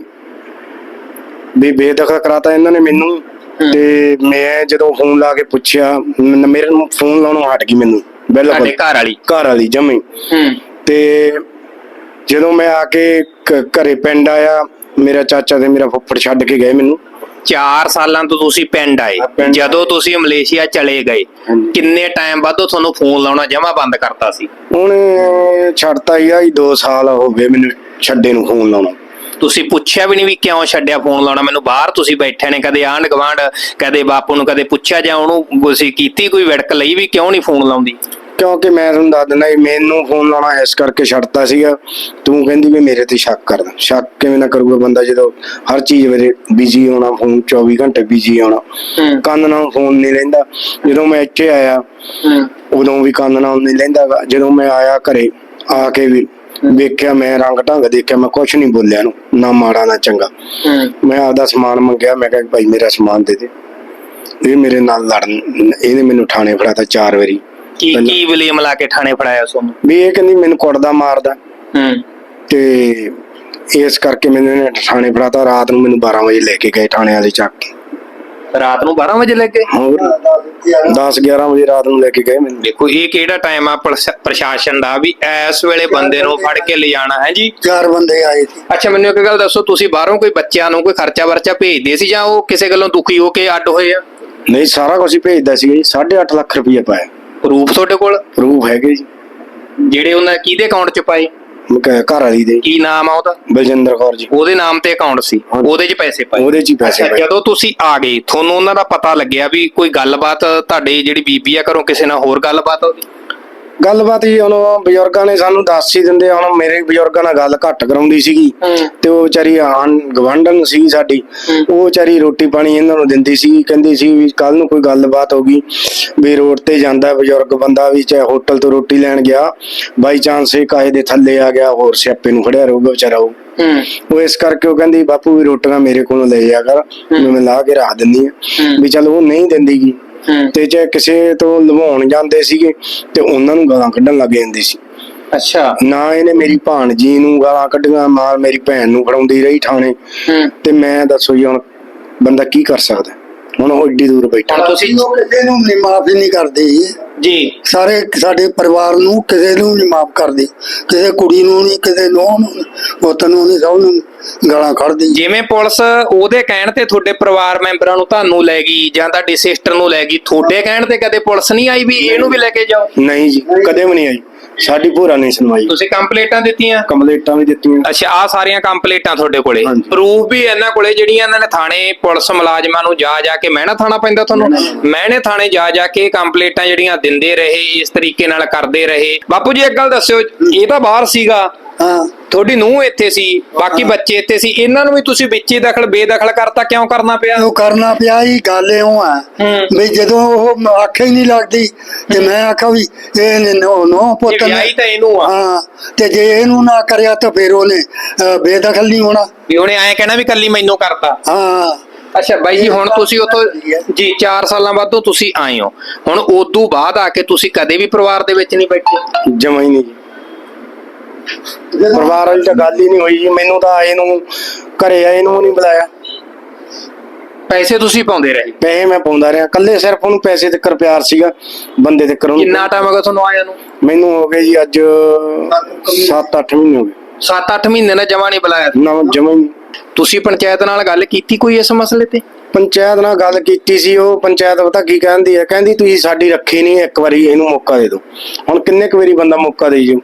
B: ਵੀ ਬੇਦਖਲ ਕਰਾਤਾ ਇਹਨਾਂ ਨੇ ਮੈਨੂੰ। ਤੇ ਮੈਂ ਜਦੋਂ ਫੋਨ ਲਾ ਕੇ ਪੁੱਛਿਆ, ਮ- ਮੇਰੇ ਨੂੰ ਫੋਨ ਲਾਉਣੋਂ ਹਟ ਗਈ ਮੈਨੂੰ ਬਿਲਕੁਲ,
A: ਤੁਹਾਡੇ ਘਰ ਵਾਲੀ?
B: ਘਰ ਵਾਲੀ ਜਮੀ।
A: ਹੂੰ
B: ਤੇ ਜਦੋਂ ਮੈਂ ਆ ਕੇ ਘ- ਘਰੇ ਪਿੰਡ ਆਇਆ, ਮੇਰਾ ਚਾਚਾ ਤੇ ਮੇਰਾ ਫੁੱਫੜ ਛੱਡ ਕੇ ਗਏ ਮੈਨੂੰ।
A: ਚਾਰ ਸਾਲਾਂ ਤੋਂ ਤੁਸੀਂ ਪਿੰਡ ਆਏ,
B: ਪਿੰਡ
A: ਜਦੋਂ ਤੁਸੀਂ ਮਲੇਸ਼ੀਆ ਚਲੇ ਗਏ
B: ਹਾਂਜੀ।
A: ਕਿੰਨੇ ਟਾਈਮ ਬਾਅਦ ਉਹ ਤੁਹਾਨੂੰ ਫੋਨ ਲਾਉਣਾ ਜਮਾ ਬੰਦ ਕਰਤਾ ਸੀ?
B: ਹੁਣ ਛੱਡਤਾ ਹੀ ਆ ਜੀ, ਦੋ ਸਾਲ ਹੋ ਗਏ ਮੈਨੂੰ ਛੱਡੇ ਨੂੰ ਫੋਨ ਲਾਉਣਾ।
A: ਤੁਸੀਂ ਪੁੱਛਿਆ ਵੀ ਨਹੀਂ ਵੀ ਕਿਉਂ ਛੱਡਿਆ ਫੋਨ ਲਾਉਣਾ ਮੈਨੂੰ? ਬਾਹਰ ਤੁਸੀਂ ਬੈਠੇ ਨੇ, ਕਦੇ ਆਂਢ ਗਵਾਂਢ, ਕਦੇ ਬਾਪੂ ਨੂੰ ਕਦੇ ਪੁੱਛਿਆ ਜਾਂ ਉਹਨੂੰ ਤੁਸੀਂ ਕੀਤੀ ਕੋਈ ਵਿੜਕ ਲਈ ਵੀ ਕਿਉਂ ਨਹੀਂ ਫੋਨ ਲਾਉਂਦੀ?
B: ਕਿਉਂਕਿ ਮੈਂ ਤੁਹਾਨੂੰ ਦੱਸ ਦਿੰਦਾ, ਮੈਨੂੰ ਫੋਨ ਲਾਉਣਾ ਇਸ ਕਰਕੇ ਛੱਡਤਾ ਸੀਗਾ। ਤੂੰ ਕਹਿੰਦੀ ਵੀ ਮੇਰੇ ਤੇ ਸ਼ੱਕ ਕਰਦਾ, ਸ਼ੱਕ ਕਿਵੇਂ ਨਾ ਕਰੂਗਾ ਬੰਦਾ ਜਦੋਂ ਹਰ ਚੀਜ਼ ਵੇਲੇ ਬਿਜੀ ਹੋਣਾ, ਫੋਨ ਚੌਵੀ ਘੰਟੇ ਬਿਜੀ ਹੋਣਾ, ਕੰਨ ਨਾਲ ਫੋਨ ਨਹੀਂ ਲੈਂਦਾ। ਜਦੋਂ ਮੈਂ ਇੱਥੇ ਆਇਆ ਉਦੋਂ ਵੀ ਕੰਨ ਨਾਲ ਨਹੀਂ ਲੈਂਦਾ ਗਾ। ਜਦੋਂ ਮੈਂ ਆਇਆ ਘਰੇ ਆ ਕੇ ਵੀ ਵੇਖਿਆ, ਮੈਂ ਰੰਗ ਢੰਗ ਦੇਖਿਆ, ਮੈਂ ਕੁਛ ਨਹੀਂ ਬੋਲਿਆ ਇਹਨੂੰ, ਨਾ ਮਾੜਾ ਨਾ ਚੰਗਾ। ਮੈਂ ਆਪਦਾ ਸਮਾਨ ਮੰਗਿਆ, ਮੈਂ ਕਿਹਾ ਭਾਈ ਮੇਰਾ ਸਮਾਨ ਦੇ ਦੇ। ਇਹ ਮੇਰੇ ਨਾਲ ਲੜਨ, ਇਹਨੇ ਮੈਨੂੰ ਥਾਣੇ ਫੜਾਤਾ ਚਾਰ ਵਾਰੀ।
A: ਕੀ ਕੀ ਬਲੇਮ ਲਾ ਕੇ ਥਾਣੇ ਫੜਾਇਆ ਤੁਹਾਨੂੰ?
B: ਵੀ ਇਹ ਕਹਿੰਦੀ ਮੈਨੂੰ ਕੁੱਟਦਾ ਮਾਰਦਾ।
A: ਹੂੰ
B: ਤੇ ਇਸ ਕਰਕੇ ਮੈਨੂੰ ਇਹਨੇ ਥਾਣੇ ਫੜਾਤਾ। ਰਾਤ ਨੂੰ ਮੈਨੂੰ ਬਾਰਾਂ ਵਜੇ ਲੈ ਕੇ ਗਏ ਥਾਣੇ ਵਾਲੇ ਚੱਕ ਕੇ।
A: ਰਾਤ ਨੂੰ ਬਾਰਾਂ ਵਜੇ ਲੈ ਕੇ?
B: ਹੋਰ ਦਸ ਗਿਆਰਾਂ ਵਜੇ ਰਾਤ ਨੂੰ ਲੈ ਕੇ ਗਏ ਮੈਨੂੰ।
A: ਦੇਖੋ ਇਹ ਕਿਹੜਾ ਟਾਈਮ ਆ ਪ੍ਰਸ਼- ਪ੍ਰਸ਼ਾਸਨ ਦਾ ਵੀ ਇਸ ਵੇਲੇ ਬੰਦੇ ਨੂੰ ਫੜ ਕੇ ਲਿਜਾਣਾ ਹੈ ਜੀ।
C: ਚਾਰ ਬੰਦੇ ਆਏ ਸੀ।
A: ਅੱਛਾ ਮੈਨੂੰ ਇੱਕ ਗੱਲ ਦੱਸੋ, ਤੁਸੀਂ ਬਾਹਰੋਂ ਕੋਈ ਬੱਚਿਆਂ ਨੂੰ ਕੋਈ ਖਰਚਾ ਵਰਚਾ ਭੇਜਦੇ ਸੀ ਜਾਂ ਉਹ ਕਿਸੇ ਗੱਲੋਂ ਦੁਖੀ ਹੋ ਕੇ ਅੱਡ ਹੋਏ ਆ?
B: ਨਹੀਂ, ਸਾਰਾ ਕੁਝ ਹੀ ਭੇਜਦਾ ਸੀ ਜੀ। ਸਾਢੇ ਅੱਠ ਲੱਖ ਰੁਪਏ ਪਾਇਆ।
A: ਪ੍ਰੂਫ ਤੁਹਾਡੇ ਕੋਲ?
B: ਪ੍ਰੂਫ ਹੈਗੇ ਜੀ।
A: ਜਿਹੜੇ ਉਹਨਾਂ ਕਿਹਦੇ ਅਕਾਊਂਟ 'ਚ ਪਾਏ?
B: ਘ- ਘਰ ਵਾਲੀ ਦੇ।
A: ਕੀ ਨਾਮ ਆ ਉਹਦਾ?
B: ਬਲਜਿੰਦਰ ਕੌਰ ਜੀ।
A: ਉਹਦੇ ਨਾਮ ਤੇ ਅਕਾਊਂਟ ਸੀ,
B: ਹਾਂਜੀ।
A: ਉਹਦੇ 'ਚ ਪੈਸੇ ਪਾਏ?
B: ਉਹਦੇ 'ਚ ਹੀ ਪੈਸੇ
A: ਅੱਛਾ,
B: ਪਾਏ।
A: ਜਦੋਂ ਤੁਸੀਂ ਆ ਗਏ ਤੁਹਾਨੂੰ ਉਹਨਾਂ ਦਾ ਪਤਾ ਲੱਗਿਆ ਵੀ ਕੋਈ ਗੱਲਬਾਤ ਤੁਹਾਡੇ ਜਿਹੜੀ ਬੀਬੀ ਆ ਘਰੋਂ ਕਿਸੇ ਨਾਲ ਹੋਰ ਗੱਲਬਾਤ ਉਹਦੀ?
B: ਗੱਲਬਾਤ ਜੀ ਹੁਣ ਬਜ਼ੁਰਗਾਂ ਨੇ ਸਾਨੂੰ ਦੱਸ ਹੀ ਦਿੰਦੇ। ਹੁਣ ਮੇਰੇ ਬਜ਼ੁਰਗਾਂ ਨਾਲ ਗੱਲ ਘੱਟ ਕਰਾਉਂਦੀ ਸੀਗੀ ਤੇ ਉਹ ਵਿਚਾਰੀ ਆਣ ਗਵਾਂਢਣ ਸੀ ਸਾਡੀ, ਉਹ ਵਿਚਾਰੀ ਰੋਟੀ ਪਾਣੀ ਇਹਨਾਂ ਨੂੰ ਦਿੰਦੀ ਸੀ। ਕਹਿੰਦੀ ਸੀ ਵੀ ਕੱਲ ਨੂੰ ਕੋਈ ਗੱਲਬਾਤ ਹੋ ਗਈ ਵੀ ਰੋਡ ਤੇ ਜਾਂਦਾ ਬਜ਼ੁਰਗ ਬੰਦਾ ਵੀ, ਚਾਹੇ ਹੋਟਲ ਤੋਂ ਰੋਟੀ ਲੈਣ ਗਿਆ, ਬਾਈ ਚਾਂਸ ਇਹ ਕਾਹੇ ਦੇ ਥੱਲੇ ਆ ਗਿਆ, ਹੋਰ ਸਿਆਪੇ ਨੂੰ ਫੜਿਆ ਰਹੂਗਾ ਵਿਚਾਰਾ ਉਹ। ਉਹ ਇਸ ਕਰਕੇ ਉਹ ਕਹਿੰਦੀ ਬਾਪੂ ਵੀ ਰੋਟੀਆਂ ਮੇਰੇ ਕੋਲੋਂ ਲੈ ਜਾ ਕਰ, ਮੈਂ ਲਾ ਕੇ ਰੱਖ ਦਿੰਦੀ ਆ ਵੀ। ਚੱਲ ਉਹ ਨਹੀਂ ਦਿੰਦੀ ਗੀ ਤੇ ਜੇ ਕਿਸੇ ਤੋਂ ਲਵਾਉਣ ਜਾਂਦੇ ਸੀਗੇ ਤੇ ਉਹਨਾਂ ਨੂੰ ਗਾਲਾਂ ਕੱਢਣ ਲੱਗ ਜਾਂਦੀ ਸੀ।
A: ਅੱਛਾ।
B: ਨਾ ਇਹਨੇ ਮੇਰੀ ਭਾਣਜੀ ਨੂੰ ਗਾਲਾਂ ਕੱਢੀਆਂ, ਮਾਰ ਮੇਰੀ ਭੈਣ ਨੂੰ ਫੜਾਉਂਦੀ ਰਹੀ ਥਾਣੇ। ਤੇ ਮੈਂ ਦੱਸੋ ਜੀ ਹੁਣ ਬੰਦਾ ਕੀ ਕਰ ਸਕਦਾ? ਹੁਣ ਉਹ ਏਡੀ ਦੂਰ ਬੈਠਾ।
A: ਹੁਣ ਤੁਸੀਂ
C: ਉਹ ਕਿਸੇ ਨੂੰ ਨਹੀਂ ਮਾਫੀ ਨਹੀਂ ਕਰਦੇ
A: ਜੀ,
C: ਸਾਰੇ ਸਾਡੇ ਪਰਿਵਾਰ ਨੂੰ ਕਿਸੇ ਨੂੰ ਨਹੀਂ ਮਾਫ ਕਰਦੇ, ਕਿਸੇ ਕੁੜੀ ਨੂੰ ਨਹੀਂ, ਕਿਸੇ ਨੂੰ ਪੁੱਤ ਨੂੰ ਨਹੀਂ, ਸਭ ਨੂੰ ਗਾਲਾਂ ਕੱਢਦੀ।
A: ਜਿਵੇਂ ਪੁਲਿਸ ਉਹਦੇ ਕਹਿਣ ਤੇ ਤੁਹਾਡੇ ਪਰਿਵਾਰ ਮੈਂਬਰਾਂ ਨੂੰ ਤੁਹਾਨੂੰ ਲੈ ਗਈ ਜਾਂ ਤੁਹਾਡੀ ਸਿਸਟਰ ਨੂੰ ਲੈ ਗਈ, ਤੁਹਾਡੇ ਕਹਿਣ ਤੇ ਕਦੇ ਪੁਲਿਸ ਨਹੀਂ ਆਈ ਵੀ ਇਹਨੂੰ ਵੀ ਲੈ ਕੇ ਜਾਓ?
B: ਨਹੀਂ ਜੀ, ਕਦੇ ਵੀ ਨਹੀਂ ਆਈ। ਸਾਡੀ ਭੂਰਾ ਨਹੀਂ ਸੁਣਵਾਈ।
A: ਤੁਸੀਂ ਕੰਪਲੇਂਟਾਂ ਦਿੱਤੀਆਂ?
B: ਕੰਪਲੇਂਟਾਂ ਵੀ ਦਿੱਤੀਆਂ।
A: ਅੱਛਾ, ਆ ਸਾਰੀਆਂ ਕੰਪਲੇਂਟਾਂ ਤੁਹਾਡੇ ਕੋਲੇ?
B: ਹਾਂਜੀ।
A: ਪ੍ਰੂਫ ਵੀ ਇਹਨਾਂ ਕੋਲੇ ਜਿਹੜੀਆਂ ਇਹਨਾਂ ਨੇ ਥਾਣੇ ਪੁਲਿਸ ਮੁਲਾਜ਼ਮਾਂ ਨੂੰ ਜਾ ਜਾ ਕੇ ਮਹਿਣਾ ਥਾਣਾ ਪੈਂਦਾ ਤੁਹਾਨੂੰ, ਮਹਿਣੇ ਥਾਣੇ ਜਾ ਜਾ ਕੇ ਕੰਪਲੇਂਟਾਂ ਜਿਹੜੀਆਂ ਦਿੰਦੇ ਰਹੇ, ਇਸ ਤਰੀਕੇ ਨਾਲ ਕਰਦੇ ਰਹੇ? ਬਾਪੂ ਜੀ ਇੱਕ ਗੱਲ ਦੱਸਿਓ, ਇਹ ਤਾਂ ਬਾਹਰ ਸੀਗਾ,
C: ਹਾਂ
A: ਤੁਹਾਡੀ ਨੂੰਹ ਇੱਥੇ ਸੀ, ਬਾਕੀ ਬੱਚੇ ਇੱਥੇ ਸੀ, ਇਹਨਾਂ ਨੂੰ ਵੀ ਤੁਸੀਂ ਵਿੱਚ ਹੀ ਦਖਲ ਬੇਦਖਲ ਕਰਤਾ, ਕਿਉਂ ਕਰਨਾ ਪਿਆ?
C: ਉਹ ਕਰਨਾ ਪਿਆ ਹੀ ਗੱਲ ਇਉਂ ਆ
A: ਹੂੰ।
C: ਵੀ ਜਦੋਂ ਉਹ ਆਖੇ ਹੀ ਨਹੀਂ ਲੱਗਦੀ ਤੇ ਮੈਂ ਆਖਾ ਵੀ ਇਹ ਨੋ ਨੋ ਪੁੱਤ
A: ਇਹ ਵਿਆਹੀ ਤਾਂ ਇਹਨੂੰ ਆ।
C: ਹਾਂ, ਤੇ ਜੇ ਇਹਨੂੰ ਨਾ ਕਰਿਆ ਤਾਂ ਫਿਰ ਉਹਨੇ ਅਹ, ਬੇਦਖਲ ਨਹੀਂ ਹੋਣਾ।
A: ਵੀ ਉਹਨੇ ਐਂ ਕਹਿਣਾ ਵੀ ਕੱਲੀ ਮੈਨੂੰ ਕਰਤਾ।
C: ਹਾਂ
A: ਅੱਛਾ ਬਾਈ ਜੀ, ਹੁਣ ਤੁਸੀਂ ਉੱਥੋਂ ਜੀ ਚਾਰ ਸਾਲਾਂ ਬਾਅਦੋਂ ਤੁਸੀਂ ਆਏ ਹੋ, ਹੁਣ ਉਦੋਂ ਬਾਅਦ ਆ ਕੇ ਤੁਸੀਂ ਕਦੇ ਵੀ ਪਰਿਵਾਰ ਦੇ ਵਿੱਚ ਨਹੀਂ ਬੈਠੇ?
B: ਜਮਾਂ ਹੀ ਨਹੀਂ ਜੀ। ਪਰਿਵਾਰ ਵਾਲੀ ਤਾਂ ਗੱਲ ਹੀ ਨਹੀਂ ਹੋਈ ਜੀ। ਮੈਨੂੰ ਤਾਂ ਆਏ ਨੂੰ, ਘਰੇ ਆਏ ਨੂੰ ਨਹੀਂ ਬੁਲਾਇਆ।
A: ਪੈਸੇ ਤੁਸੀਂ ਪਾਉਂਦੇ ਰਹੇ?
B: ਪੈਸੇ ਮੈਂ ਪਾਉਂਦਾ ਰਿਹਾ, ਕੱਲੇ ਸਿਰਫ ਉਹਨੂੰ ਪੈਸੇ ਤੱਕ ਪਿਆਰ ਸੀਗਾ, ਬੰਦੇ ਤੱਕ ਉਹਨੂੰ।
A: ਕਿੰਨਾ ਟਾਈਮ ਹੋ ਗਿਆ ਤੁਹਾਨੂੰ ਆਇਆ ਨੂੰ?
B: ਮੈਨੂੰ ਹੋ ਗਏ ਜੀ ਅੱਜ ਸੱਤ ਅੱਠ ਮਹੀਨੇ ਹੋ ਗਏ।
A: ਸੱਤ ਅੱਠ ਮਹੀਨੇ ਨਾਲ ਜਮਾ ਨਹੀਂ ਬੁਲਾਇਆ?
B: ਨਾ ਜਮਾਂ ਹੀ ਨਹੀਂ।
A: ਤੁਸੀਂ ਪੰਚਾਇਤ ਨਾਲ ਗੱਲ ਕੀਤੀ ਕੋਈ ਇਸ ਮਸਲੇ ਤੇ?
B: ਪੰਚਾਇਤ ਨਾਲ ਗੱਲ ਕੀਤੀ ਸੀ। ਉਹ ਪੰਚਾਇਤ ਪਤਾ ਕੀ ਕਹਿੰਦੀ ਹੈ? ਕਹਿੰਦੀ ਤੁਸੀਂ ਸਾਡੀ ਰੱਖੀ ਨਹੀਂ, ਇੱਕ ਵਾਰੀ ਇਹਨੂੰ ਮੌਕਾ ਦੇ ਦਿਓ। ਹੁਣ ਕਿੰਨੇ ਕੁ ਵਾਰੀ ਬੰਦਾ ਮੌਕਾ ਦੇਈ ਜਾਊ?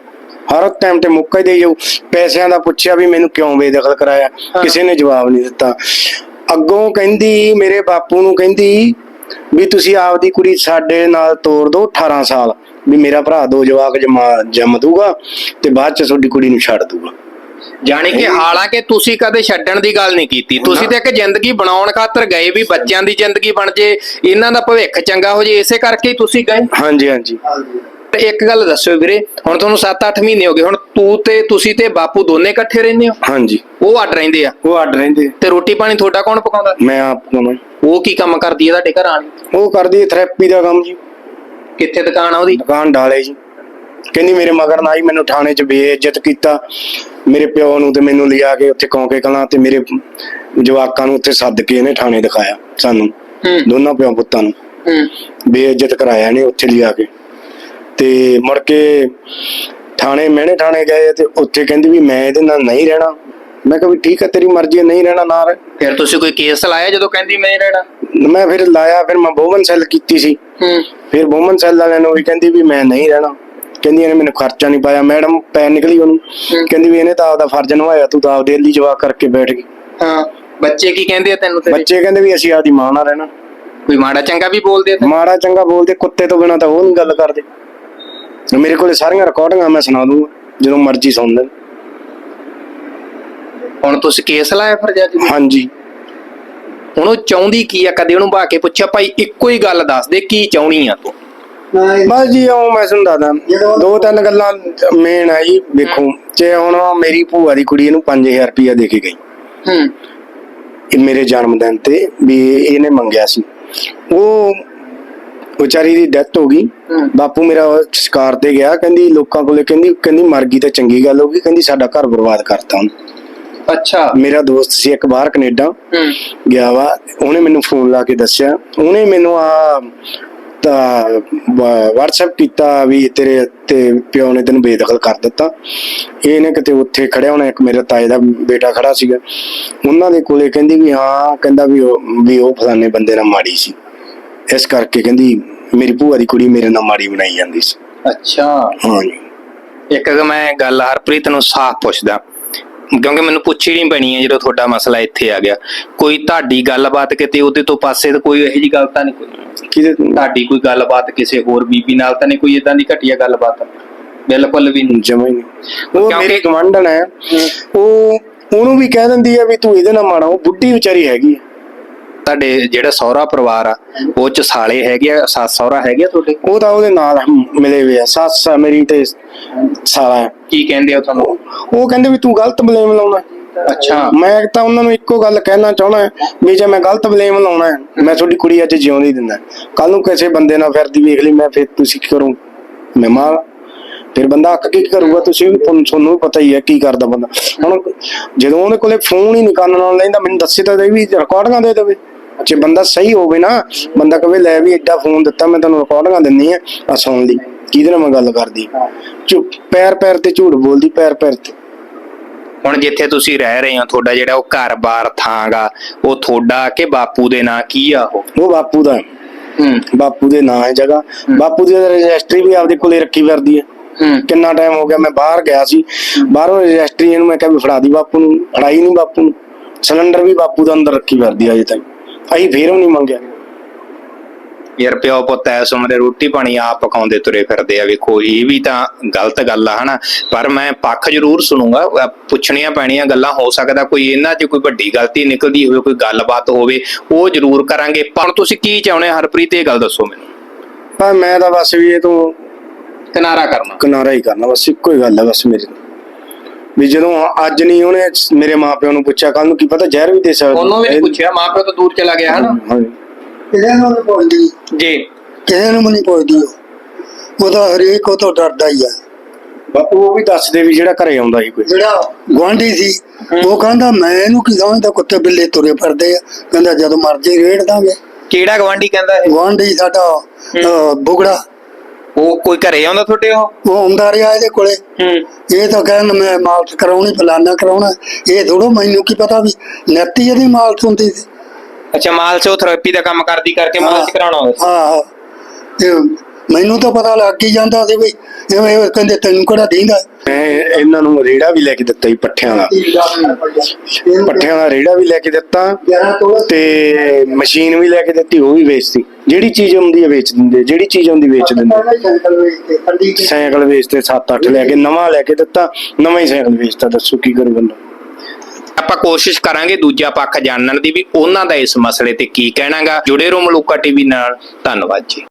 B: ਹਰ ਟਾਈਮ ਤੇ ਮੁੱਕਾ ਹੀ ਦੇਈ ਜਾਊ। ਪੈਸਿਆਂ ਦਾ ਪੁੱਛਿਆ ਵੀ ਮੈਨੂੰ ਕਿਉਂ ਬੇਦਖਲ ਕਰਾਇਆ, ਕਿਸੇ ਨੇ ਜਵਾਬ ਨਹੀਂ ਦਿੱਤਾ। ਅੱਗੋਂ ਕਹਿੰਦੀ ਮੇਰੇ ਬਾਪੂ ਨੂੰ ਕਹਿੰਦੀ ਵੀ ਤੁਸੀਂ ਆਪਦੀ ਕੁੜੀ ਸਾਡੇ ਨਾਲ ਤੋਰ ਦਿਓ ਅਠਾਰਾਂ ਸਾਲ, ਵੀ ਮੇਰਾ ਭਰਾ ਦੋ ਜਵਾਕ ਜਮਾ ਜੰਮ ਦੂਗਾ ਤੇ ਬਾਅਦ ਚ ਤੁਹਾਡੀ ਕੁੜੀ ਨੂੰ ਛੱਡ ਦੂਗਾ।
A: ਜਾਣੀ ਕਿ ਹਾਲਾਂਕਿ ਤੁਸੀਂ ਕਦੇ ਛੱਡਣ ਦੀ ਗੱਲ ਨਹੀਂ ਕੀਤੀ, ਤੁਸੀਂ ਤੇ ਇੱਕ ਜ਼ਿੰਦਗੀ ਬਣਾਉਣ ਖਾਤਰ ਗਏ ਵੀ ਬੱਚਿਆਂ ਦੀ ਜ਼ਿੰਦਗੀ ਬਣ ਜੇ, ਇਹਨਾਂ ਦਾ ਭਵਿੱਖ ਚੰਗਾ ਹੋ ਜੇ, ਇਸੇ ਕਰਕੇ ਹੀ ਤੁਸੀਂ ਗਏ।
B: ਹਾਂਜੀ ਹਾਂਜੀ।
A: ਤੇ ਇੱਕ ਗੱਲ ਦੱਸਿਓ ਵੀਰੇ, ਹੁਣ ਤੁਹਾਨੂੰ ਸੱਤ ਅੱਠ ਮਹੀਨੇ ਹੋ ਗਏ, ਹੁਣ ਤੂੰ ਤੇ ਤੁਸੀਂ ਤੇ ਬਾਪੂ ਦੋਨੇ ਇਕੱਠੇ ਰਹਿੰਦੇ ਹੋ?
B: ਹਾਂਜੀ।
A: ਉਹ ਅੱਡ ਰਹਿੰਦੇ ਆ?
B: ਉਹ ਅੱਡ ਰਹਿੰਦੇ।
A: ਤੇ ਰੋਟੀ ਪਾਣੀ ਤੁਹਾਡਾ ਕੌਣ ਪਕਾਉਂਦਾ?
B: ਮੈਂ ਆਪ ਪਕਾਉਣਾ।
A: ਉਹ ਕੀ ਕੰਮ ਕਰਦੀ ਹੈ ਤੁਹਾਡੇ ਘਰ ਵਾਲੀ?
B: ਉਹ ਕਰਦੀ ਹੈ ਥੈਰੇਪੀ ਦਾ ਕੰਮ ਜੀ।
A: ਕਿੱਥੇ ਦੁਕਾਨ ਆ ਉਹਦੀ?
B: ਦੁਕਾਨ ਡਾਲੇ ਜੀ। ਕਹਿੰਦੀ ਮੇਰੇ ਮਗਰ ਨਾ ਹੀ ਮੈਨੂੰ ਥਾਣੇ 'ਚ ਬੇਇੱਜ਼ਤ ਕੀਤਾ, ਮੇਰੇ ਪਿਓ ਨੂੰ ਤੇ ਮੈਨੂੰ ਲਿਆ ਕੇ ਉੱਥੇ ਕੌਂਕੇ ਕਲਾਂ ਤੇ ਮੇਰੇ ਜਵਾਕਾਂ ਨੂੰ ਉੱਥੇ ਸੱਦ ਕੇ ਇਹਨੇ ਥਾਣੇ ਦਿਖਾਇਆ ਸਾਨੂੰ ਦੋਨਾਂ ਪਿਓ ਪੁੱਤਾਂ ਨੂੰ, ਬੇਇੱਜ਼ਤ ਕਰਾਇਆ ਇਹਨੇ ਉੱਥੇ ਲਿਆ ਕੇ। ਤੇ ਮੁੜ ਕੇ ਥਾਣੇ ਮਹਿਣੇ ਥਾਣੇ ਗਏ ਤੇ ਉੱਥੇ ਕਹਿੰਦੀ ਵੀ ਮੈਂ ਇਹਦੇ ਨਾਲ ਨਹੀਂ ਰਹਿਣਾ। ਮੈਂ ਕਿਹਾ ਵੀ ਠੀਕ ਹੈ ਤੇਰੀ ਮਰਜ਼ੀ ਹੈ, ਨਹੀਂ ਰਹਿਣਾ ਨਾ ਰਹਿ।
A: ਫਿਰ ਤੁਸੀਂ ਕੋਈ ਕੇਸ ਲਾਇਆ ਜਦੋਂ ਕਹਿੰਦੀ ਮੈਂ ਨਹੀਂ ਰਹਿਣਾ?
B: ਮੈਂ ਫਿਰ ਲਾਇਆ, ਫਿਰ ਮੈਂ ਬੋਮਨ ਸੈੱਲ ਕੀਤੀ ਸੀ। ਫਿਰ ਬੋਮਨ ਸੈੱਲ ਵਾਲਿਆਂ ਨੂੰ ਵੀ ਕਹਿੰਦੀ ਵੀ ਮੈਂ ਨਹੀਂ ਰਹਿਣਾ। ਕਹਿੰਦੀ ਇਹਨੇ ਮੈਨੂੰ ਖਰਚਾ ਨਹੀਂ ਪਾਇਆ। ਮੈਡਮ ਪੈ ਨਿਕਲੀ ਉਹਨੂੰ, ਕਹਿੰਦੀ ਵੀ ਇਹਨੇ ਤਾਂ ਆਪਦਾ ਫਰਜ਼ ਨਿਭਾਇਆ, ਤੂੰ ਤਾਂ ਆਪਦੇ ਲਈ ਜਵਾਬ ਕਰਕੇ ਬੈਠ ਗਈ।
A: ਹਾਂ, ਬੱਚੇ ਕੀ ਕਹਿੰਦੇ ਆ ਤੈਨੂੰ?
B: ਬੱਚੇ ਕਹਿੰਦੇ ਵੀ ਅਸੀਂ ਆਪਦੀ ਮਾਂ ਨਾਲ ਰਹਿਣਾ।
A: ਕੋਈ ਮਾੜਾ ਚੰਗਾ ਵੀ ਬੋਲਦੇ ਆ?
B: ਮਾੜਾ ਚੰਗਾ ਬੋਲਦੇ, ਕੁੱਤੇ ਤੋਂ ਬਿਨਾਂ ਤਾਂ ਉਹ ਨਹੀਂ ਗੱਲ ਕਰਦੇ। ਮੇਰੇ ਕੋਲੇ ਸਾਰੀਆਂ ਰਿਕਾਰਡਿੰਗਾਂ ਮੈਂ ਸੁਣਾ ਦੂੰਗਾ, ਜਦੋਂ ਮਰਜ਼ੀ ਸੁਣ ਲੈ।
A: ਹੁਣ ਤੁਸੀਂ ਕੇਸ ਲਾਇਆ ਫਿਰ ਜੱਜ?
B: ਹਾਂਜੀ।
A: ਹੁਣ ਉਹ ਚਾਹੁੰਦੀ ਕੀ ਆ? ਕਦੇ ਉਹਨੂੰ ਬਾ ਕੇ ਪੁੱਛਿਆ ਭਾਈ ਇੱਕੋ ਹੀ ਗੱਲ ਦੱਸ ਦੇ, ਕੀ ਚਾਹੁੰਦੀ ਆ ਤੂੰ?
B: ਬਸ ਜੀ ਉਹ ਮੈਂ ਤੁਹਾਨੂੰ ਦੱਸਦਾ, ਦੋ ਤਿੰਨ ਗੱਲਾਂ ਮੇਨ ਆ ਜੀ। ਵੇਖੋ ਜੇ ਹੁਣ ਮੇਰੀ ਭੂਆ ਦੀ ਕੁੜੀ ਇਹਨੂੰ ਪੰਜ ਹਜ਼ਾਰ ਰੁਪਇਆ ਦੇ ਕੇ ਗਈ ਹੂੰ ਮੇਰੇ ਜਨਮ ਦਿਨ ਤੇ, ਵੀ ਇਹਨੇ ਮੰਗਿਆ ਸੀ। ਉਹ ਵਿਚਾਰੀ ਦੀ ਡੈਥ ਹੋ ਗਈ। ਬਾਪੂ ਮੇਰਾ ਸ਼ਿਕਾਰ ਤੇ ਗਿਆ, ਕਹਿੰਦੀ ਲੋਕਾਂ ਕੋਲੇ ਕਹਿੰਦੀ ਕਹਿੰਦੀ ਮਰ ਗਈ ਤਾਂ ਚੰਗੀ ਗੱਲ ਹੋ ਗਈ, ਕਹਿੰਦੀ ਸਾਡਾ ਘਰ ਬਰਬਾਦ ਕਰਤਾ ਉਹਨੇ। ਅੱਛਾ। ਮੇਰਾ ਦੋਸਤ ਸੀ ਇੱਕ ਬਾਹਰ ਕੈਨੇਡਾ ਗਿਆ ਵਾ, ਉਹਨੇ ਮੈਨੂੰ ਫੋਨ ਲਾ ਕੇ ਦੱਸਿਆ, ਉਹਨੇ ਮੈਨੂੰ ਆ ਤਾਂ WhatsApp ਕੀਤਾ ਵੀ ਤੇਰੇ ਤੇ ਪਿਓ ਨੇ ਤੈਨੂੰ ਬੇਦਖਲ ਕਰ ਦਿੱਤਾ। ਇਹਨੇ ਕਿਤੇ ਉੱਥੇ ਖੜਿਆ ਹੋਣਾ, ਇੱਕ ਮੇਰੇ ਤਾਏ ਦਾ ਬੇਟਾ ਖੜਾ ਸੀਗਾ ਉਹਨਾਂ ਦੇ ਕੋਲੇ, ਕਹਿੰਦੀ ਵੀ ਹਾਂ, ਕਹਿੰਦਾ ਵੀ ਉਹ ਵੀ ਉਹ ਫਲਾਣੇ ਬੰਦੇ ਨਾਲ ਮਾੜੀ ਸੀ, ਇਸ ਕਰਕੇ ਕਹਿੰਦੀ ਮੇਰੀ ਭੂਆ ਦੀ ਕੁੜੀ ਮੇਰੇ ਨਾਲ ਮਾੜੀ ਬਣਾਈ ਜਾਂਦੀ ਸੀ। ਅੱਛਾ। ਹਾਂਜੀ।
A: ਇੱਕ ਮੈਂ ਗੱਲ ਹਰਪ੍ਰੀਤ ਨੂੰ ਸਾਫ਼ ਪੁੱਛਦਾ, ਕਿਉਂਕਿ ਮੈਨੂੰ ਪੁੱਛੀ ਨਹੀਂ ਪੈਣੀ ਹੈ ਜਦੋਂ ਤੁਹਾਡਾ ਮਸਲਾ ਇੱਥੇ ਆ ਗਿਆ। ਕੋਈ ਤੁਹਾਡੀ ਗੱਲਬਾਤ ਕਿਤੇ ਉਹਦੇ ਤੋਂ ਪਾਸੇ ਤਾਂ ਕੋਈ ਇਹੋ ਜਿਹੀ ਗੱਲ ਤਾਂ ਨਹੀਂ? ਕੋਈ
B: ਕਿਤੇ
A: ਤੁਹਾਡੀ ਕੋਈ ਗੱਲਬਾਤ ਕਿਸੇ ਹੋਰ ਬੀਬੀ ਨਾਲ ਤਾਂ ਨਹੀਂ ਕੋਈ ਏਦਾਂ ਦੀ ਘਟੀਆ ਗੱਲਬਾਤ? ਬਿਲਕੁਲ ਵੀ ਨਹੀਂ,
B: ਜਮਾਂ ਹੀ ਨਹੀਂ। ਉਹ ਮੇਰੀ ਗਵਾਂਢਣ ਹੈ, ਉਹ ਉਹਨੂੰ ਵੀ ਕਹਿ ਦਿੰਦੀ ਆ ਵੀ ਤੂੰ ਇਹਦੇ ਨਾਲ ਮਾੜਾ। ਉਹ ਬੁੱਢੀ ਵਿਚਾਰੀ ਹੈਗੀ।
A: ਤੁਹਾਡੇ ਜਿਹੜਾ ਸਹੁਰਾ ਪਰਿਵਾਰ ਆ ਉਹ ਚ ਸਾਲੇ ਹੈਗੇ ਆ, ਸੱਸ ਸਹੁਰਾ ਹੈਗੇ ਆ ਤੁਹਾਡੇ?
B: ਉਹ ਤਾਂ ਉਹਦੇ ਨਾਲ ਮਿਲੇ ਹੋਏ ਆ, ਸੱਸ ਮੇਰੀ ਤੇ ਸਾਲਾ।
A: ਕੀ ਕਹਿੰਦੇ ਆ ਤੁਹਾਨੂੰ?
B: ਉਹ ਕਹਿੰਦੇ ਵੀ ਤੂੰ ਗਲਤ ਬਲੇਮ ਲਾਉਣਾ।
A: ਅੱਛਾ।
B: ਮੈਂ ਤਾਂ ਉਹਨਾਂ ਨੂੰ ਇੱਕੋ ਗੱਲ ਕਹਿਣਾ ਚਾਹੁੰਦਾ ਵੀ ਜੇ ਮੈਂ ਗਲਤ ਬਲੇਮ ਲਾਉਣਾ ਮੈਂ ਤੁਹਾਡੀ ਕੁੜੀ ਅੱਜ ਜਿਉਂਦੀ ਦਿੰਦਾ, ਕੱਲ ਨੂੰ ਕਿਸੇ ਬੰਦੇ ਨਾਲ ਫਿਰਦੀ ਵੇਖ ਲਈ ਮੈਂ, ਫਿਰ ਤੁਸੀਂ ਕੀ ਕਰੋ? ਮੈਂ ਮਾਰ, ਫਿਰ ਬੰਦਾ ਅੱਕ ਕੇ ਕੀ ਕਰੂਗਾ? ਤੁਸੀਂ ਵੀ ਤੁਹਾਨੂੰ ਵੀ ਪਤਾ ਹੀ ਹੈ ਕੀ ਕਰਦਾ ਬੰਦਾ। ਹੁਣ ਜਦੋਂ ਉਹਦੇ ਕੋਲੇ ਫੋਨ ਹੀ ਨਹੀਂ ਕੰਨ ਨਾਲ ਲੈਂਦਾ, ਮੈਨੂੰ ਦੱਸੇ ਤਾਂ ਦੇ ਵੀ ਰਿਕਾਰਡਿੰਗਾਂ ਦੇ ਦੇਵੇ। ਜੇ ਬੰਦਾ ਸਹੀ ਹੋਵੇ ਨਾ, ਬੰਦਾ ਕਵੇ ਲੈ ਵੀ ਏਡਾ ਫੋਨ ਦਿੱਤਾ ਮੈਂ ਤੁਹਾਨੂੰ ਰਿਕਾਰਡਿੰਗਾਂ ਦਿੰਨੀ ਆ ਆ ਸੁਣ ਲਈ, ਕਿਹਦੇ ਨਾਲ ਮੈਂ ਗੱਲ ਕਰਦੀ। ਚੁੱਪ, ਪੈਰ ਪੈਰ ਤੇ ਝੂਠ ਬੋਲਦੀ, ਪੈਰ ਪੈਰ ਤੇ।
A: ਹੁਣ ਜਿੱਥੇ ਤੁਸੀਂ ਰਹਿ ਰਹੇ ਹੋ, ਤੁਹਾਡਾ ਜਿਹੜਾ ਉਹ ਘਰ-ਬਾਰ ਥਾਂ ਗਾ, ਉਹ ਤੁਹਾਡਾ ਕਿ ਬਾਪੂ ਦੇ ਨਾਂ ਕੀ ਆ? ਉਹ
B: ਉਹ ਬਾਪੂ ਦਾ। ਹੂੰ, ਬਾਪੂ ਦੇ ਨਾਂ ਹੈ ਜਗ੍ਹਾ। ਬਾਪੂ ਦੀ ਰਜਿਸਟਰੀ ਵੀ ਆਪਦੇ ਕੋਲੇ ਰੱਖੀ ਫਿਰਦੀ ਹੈ। ਕਿੰਨਾ ਟਾਈਮ ਹੋ ਗਿਆ, ਮੈਂ ਬਾਹਰ ਗਿਆ ਸੀ, ਬਾਹਰੋਂ ਰਜਿਸਟਰੀ ਇਹਨੂੰ ਮੈਂ ਕਿਹਾ ਵੀ ਫੜਾ ਦੀ ਬਾਪੂ ਨੂੰ, ਫੜਾਈ ਨਹੀਂ ਬਾਪੂ ਨੂੰ। ਸਿਲੰਡਰ ਵੀ ਬਾਪੂ ਦਾ ਅੰਦਰ ਰੱਖੀ ਫਿਰਦੀ ਅਜੇ ਤੱਕ, ਅਸੀਂ ਫੇਰ ਵੀ ਨਹੀਂ ਮੰਗਿਆ।
A: ਯਾਰ ਪਿਓ ਪੁੱਤ ਐਸ ਉਮਰੇ ਰੋਟੀ ਪਾਣੀ ਆਪ ਪਕਾਉਂਦੇ ਤੁਰੇ ਫਿਰਦੇ ਆ, ਵੇਖੋ ਇਹ ਵੀ ਤਾਂ ਗਲਤ ਗੱਲ ਆ ਹਨਾ। ਪਰ ਮੈਂ ਪੱਖ ਜ਼ਰੂਰ ਸੁਣੂਗਾ, ਪੁੱਛਣੀਆਂ ਪੈਣੀਆਂ ਗੱਲਾਂ, ਹੋ ਸਕਦਾ ਕੋਈ ਇਹਨਾਂ 'ਚ ਕੋਈ ਵੱਡੀ ਗਲਤੀ ਨਿਕਲਦੀ ਹੋਵੇ, ਕੋਈ ਗੱਲਬਾਤ ਹੋਵੇ, ਉਹ ਜ਼ਰੂਰ ਕਰਾਂਗੇ। ਪਰ ਤੁਸੀਂ ਕੀ ਚਾਹੁੰਦੇ ਹਰਪ੍ਰੀਤ, ਇਹ ਗੱਲ ਦੱਸੋ ਮੈਨੂੰ।
B: ਪਰ ਮੈਂ ਤਾਂ ਬਸ ਵੀ ਇਹ ਤੋਂ
A: ਕਿਨਾਰਾ ਕਰਨਾ,
B: ਕਿਨਾਰਾ ਹੀ ਕਰਨਾ, ਬਸ ਇੱਕੋ ਹੀ ਗੱਲ ਹੈ ਬਸ ਮੇਰੀ। ਵੀ ਜਦੋਂ ਅੱਜ ਨਹੀਂ ਉਹਨੇ ਮੇਰੇ ਮਾਪਿਆਂ ਨੂੰ ਪੁੱਛਿਆ, ਕੱਲ ਨੂੰ ਕੀ ਪਤਾ ਜ਼ਹਿਰ ਵੀ ਦੇ ਸਕਦਾ।
A: ਉਹਨੂੰ ਵੀ ਨਹੀਂ ਪੁੱਛਿਆ, ਮਾਪਿਓ ਤੋਂ ਦੂਰ ਚਲਾ ਗਿਆ ਹਨਾ।
C: ਕਿਸੇ ਨੂੰ ਨਹੀਂ ਪੁੱਛਦੀ
A: ਜੀ,
C: ਕਿਸੇ ਨੂੰ ਨਹੀਂ ਪੁੱਛਦੀ। ਉਹ ਤਾਂ ਹਰੇਕ ਉਹ ਤੋਂ ਡਰਦਾ ਹੀ ਆ।
B: ਬਾਪੂ ਉਹ ਵੀ ਦੱਸਦੇ ਵੀ ਜਿਹੜਾ ਘਰੇ ਆਉਂਦਾ ਸੀ ਕੋਈ,
C: ਜਿਹੜਾ ਗੁਆਂਢੀ ਸੀ, ਉਹ ਕਹਿੰਦਾ ਮੈਂ ਇਹਨੂੰ ਕੀ ਸਮਝਦਾ, ਕੁੱਤੇ ਬਿੱਲੇ ਤੁਰੇ ਫਿਰਦੇ ਆ, ਕਹਿੰਦਾ ਜਦੋਂ ਮਰਜੀ ਰੇੜ ਦਾਂਗੇ।
A: ਕਿਹੜਾ ਗਵਾਂਢੀ ਕਹਿੰਦਾ?
C: ਗੁਆਂਢੀ ਸਾਡਾ ਬੁਗੜਾ।
A: ਉਹ ਕੋਈ ਘਰੇ ਆਉਂਦਾ ਤੁਹਾਡੇ? ਉਹ
C: ਉਹ ਆਉਂਦਾ ਰਿਹਾ ਇਹਦੇ ਕੋਲੇ। ਇਹ ਤਾਂ ਕਹਿੰਦਾ ਮੈਂ ਮਾਲਸ਼ ਕਰਾਉਣੀ, ਫਲਾਨਾ ਕਰਾਉਣਾ। ਇਹ ਥੋੜੋ ਮੈਨੂੰ ਕੀ ਪਤਾ ਵੀ ਨੈਤੀ ਇਹਦੀ ਮਾਲਸ਼ ਹੁੰਦੀ ਸੀ।
A: ਅੱਛਾ, ਮਾਲਸ਼ ਉਹ ਥੈਰੇਪੀ ਦਾ ਕੰਮ ਕਰਦੀ ਕਰਕੇ ਮਾਲਸ਼ ਕਰਾਉਣਾ ਹੋਵੇ।
C: ਹਾਂ, ਤੇ ਮੈਨੂੰ ਤਾਂ ਪਤਾ ਲੱਗ ਹੀ ਜਾਂਦਾ ਸੀ ਵੀ ਐਵੇਂ ਇਹ ਕਹਿੰਦੇ ਤੈਨੂੰ ਕਿਹੜਾ ਦੀਂਦਾ।
B: ਮੈਂ ਇਹਨਾਂ ਨੂੰ ਰੇੜਾ ਵੀ ਲੈ ਕੇ ਦਿੱਤਾ ਜੀ ਪੱਠਿਆਂ ਦਾ, ਪੱਠਿਆਂ ਦਾ ਰੇੜਾ ਵੀ ਲੈ ਕੇ ਦਿੱਤਾ ਤੇ ਮਸ਼ੀਨ ਵੀ ਲੈ ਕੇ ਦਿੱਤੀ, ਉਹ ਵੀ ਵੇਚਤੀ। ਜਿਹੜੀ ਚੀਜ਼ ਆਉਂਦੀ ਹੈ ਵੇਚ ਦਿੰਦੇ, ਜਿਹੜੀ ਚੀਜ਼ ਆਉਂਦੀ ਵੇਚ ਦਿੰਦੇ। ਸਾਈਕਲ ਵੇਚਦੇ ਸੱਤ ਅੱਠ ਲੈ ਕੇ, ਨਵਾਂ ਲੈ ਕੇ ਦਿੱਤਾ, ਨਵਾਂ ਹੀ ਸਾਈਕਲ ਵੇਚਤਾ। ਦੱਸੋ ਕੀ ਕਰੂ ਬੰਦਾ।
A: ਆਪਾਂ ਕੋਸ਼ਿਸ਼ ਕਰਾਂਗੇ ਦੂਜਾ ਪੱਖ ਜਾਣਨ ਦੀ ਵੀ ਉਹਨਾਂ ਦਾ ਇਸ ਮਸਲੇ ਤੇ ਕੀ ਕਹਿਣਾਗਾ। ਜੁੜੇ ਰਹੋ ਮਲੂਕਾ ਟੀਵੀ ਨਾਲ। ਧੰਨਵਾਦ ਜੀ।